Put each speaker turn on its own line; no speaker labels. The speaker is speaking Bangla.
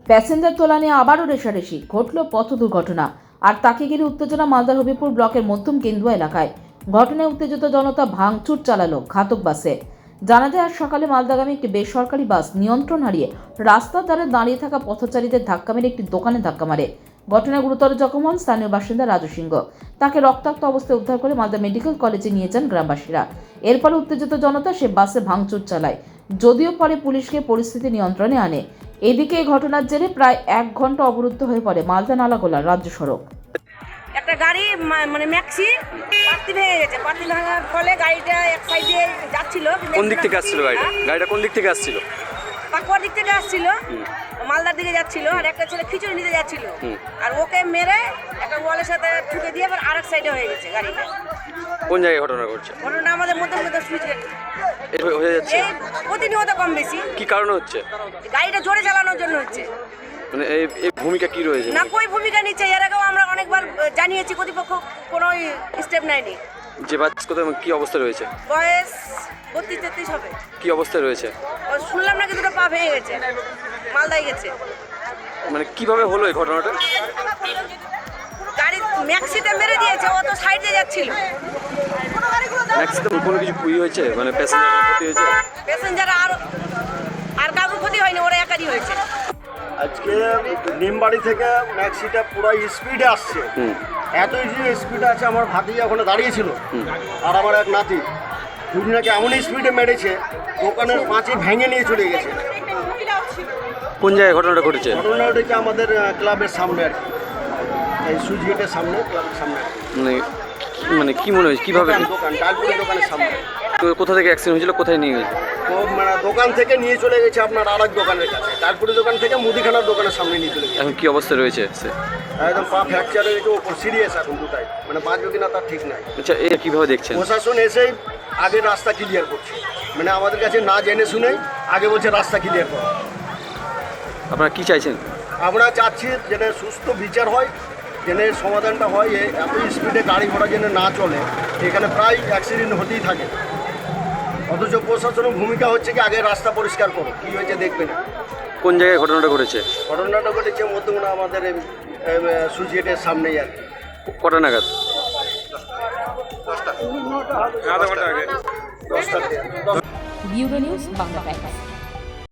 প্যাসেঞ্জার তোলা নিয়ে আবারও রেষারেষি, ঘটল পথ দুর্ঘটনা। আর তাকে ঘিরে উত্তেজনা মালদার হবিপুর ব্লকের মধ্যম কেন্দুয়া এলাকায়। ঘটনায় উত্তেজিত জনতা ভাঙচুর চালালো ঘাতক বাসে। জানা যায় আজ সকালে মালদাগামী একটি বেসরকারি বাস নিয়ন্ত্রণ হারিয়ে রাস্তার ধারে দাঁড়িয়ে থাকা পথচারীদের ধাক্কা মেরে একটি দোকানে ধাক্কা মারে। ঘটনায় গুরুতর জখম হন স্থানীয় বাসিন্দা রাজু সিংহ। তাকে রক্তাক্ত অবস্থায় উদ্ধার করে মালদা মেডিকেল কলেজে নিয়ে যান গ্রামবাসীরা। এরপর উত্তেজিত জনতা সে বাসে ভাঙচুর চালায়, যদিও পরে পুলিশকে পরিস্থিতি নিয়ন্ত্রণে আনে। এদিকে এই ঘটনার জেরে প্রায় 1 ঘন্টা অবরুদ্ধ হয়ে পড়ে মালদা নালাগোলা রাজ্য সড়ক।
একটা গাড়ি মানে ম্যাক্সি পাতি ভেঙে গেছে। পাতি ভাঙার ফলে গাড়িটা এক সাইডে যাচ্ছিল।
কোন দিক থেকে আসছিল গাড়িটা কোন দিক থেকে আসছিল?
পাকুয়ার দিক থেকে আসছিল, মালদার দিকে যাচ্ছিল। আর একটা ছেলে খিচুড়ি নিতে যাচ্ছিল, আর ওকে মেরে একটা ওয়ালের সাথে ঠুকে দিয়ে আবার আরেক সাইডে হয়ে গেছে গাড়িটা।
কোন জায়গায় ঘটনা ঘটছে?
ঘটনা আমাদের মধ্যে মধ্যে সুইচ গেট
হয়ে যাচ্ছে।
এই প্রতিনিয়ত কম বেশি।
কি কারণে হচ্ছে?
গাড়িটা জোরে চালানোর জন্য হচ্ছে।
মানে এই ভূমিকা কি রয়েছে?
না কই ভূমিকা নিচ্ছে, এর আগেও আমরা অনেকবার জানিয়েছি, কর্তৃপক্ষ কোনো স্টেপ নেয়নি।
যে বাস কোথায় কি অবস্থা রয়েছে?
বয়স 32-33 হবে।
কি অবস্থায় রয়েছে?
শুনলাম নাকি দুটো পা ভেঙে গেছে, মালদায় গেছে।
মানে কিভাবে হলো এই ঘটনাটা?
গাড়ি ম্যাক্সিতে মেরে দিয়েছে, ও তো সাইডে যাচ্ছিল।
ম্যাক্সিমাম কোনো কিছু ক্ষতি হয়েছে? মানে প্যাসেঞ্জারের ক্ষতি হয়েছে?
প্যাসেঞ্জার আর কারোর ক্ষতি হয়নি, ওরা একারই হয়েছে।
আজকে নিমবাড়ি থেকে ম্যাক্সিটা পুরো স্পিডে আসছে। এতই যে স্পিডে আছে, আমার ভাতিজা ওখানে দাঁড়িয়েছিল আর আমার এক নাতি, দুজনাকে এমন স্পিডে মেরেছে দোকানের পাঁচে ভেঙে নিয়ে চলে গেছে।
কোন জায়গায় ঘটনাটা ঘটেছে?
ঘটনা ওটাকে আমাদের ক্লাবের সামনে আর কি, এই সুইচ গেটের সামনে, ক্লাবের সামনে।
মানে কি মনে হয়েছে কিভাবে?
দোকান ডালপুরি দোকানের সামনে।
তো কোথা থেকে অ্যাক্সিডেন্ট হয়েছিল, কোথায় নিয়ে গেছে?
তো মানে দোকান থেকে নিয়ে চলে গেছে আপনার আরেক দোকানের কাছে, ডালপুরি দোকান থেকে মুদিখানার দোকানের সামনে নিয়ে চলে গেছে।
এখন কি অবস্থায় রয়েছে সে?
একদম পা ফ্র্যাকচার হয়ে গেছে, ওপর সিরিয়াস এখন দুটাই, মানে বাঁচবে কিনা তার ঠিক নাই।
আচ্ছা, এটা কিভাবে দেখছেন?
প্রশাসন এসেই আগে রাস্তা ক্লিয়ার করছে, মানে আমাদের কাছে না জেনে শুনেই আগে বলছে রাস্তা ক্লিয়ার করো।
আপনারা কি চাইছেন?
আমরা চাচ্ছি যেন সুস্থ বিচার হয়, যেন এর সমাধানটা হয়। এত স্পিডে গাড়ি ঘোড়া যেন না চলে, এখানে প্রায় অ্যাক্সিডেন্ট হতেই থাকে। অথচ প্রশাসনের ভূমিকা হচ্ছে কি আগে রাস্তা পরিষ্কার করো, কী হয়েছে দেখবে না।
কোন জায়গায় ঘটনাটা ঘটেছে?
ঘটনাটা ঘটেছে মধ্যমা আমাদের সুইচ গেটের সামনেই আর কি।
কটা নাগাদ?
10টা।
Bureau news Bangla Times.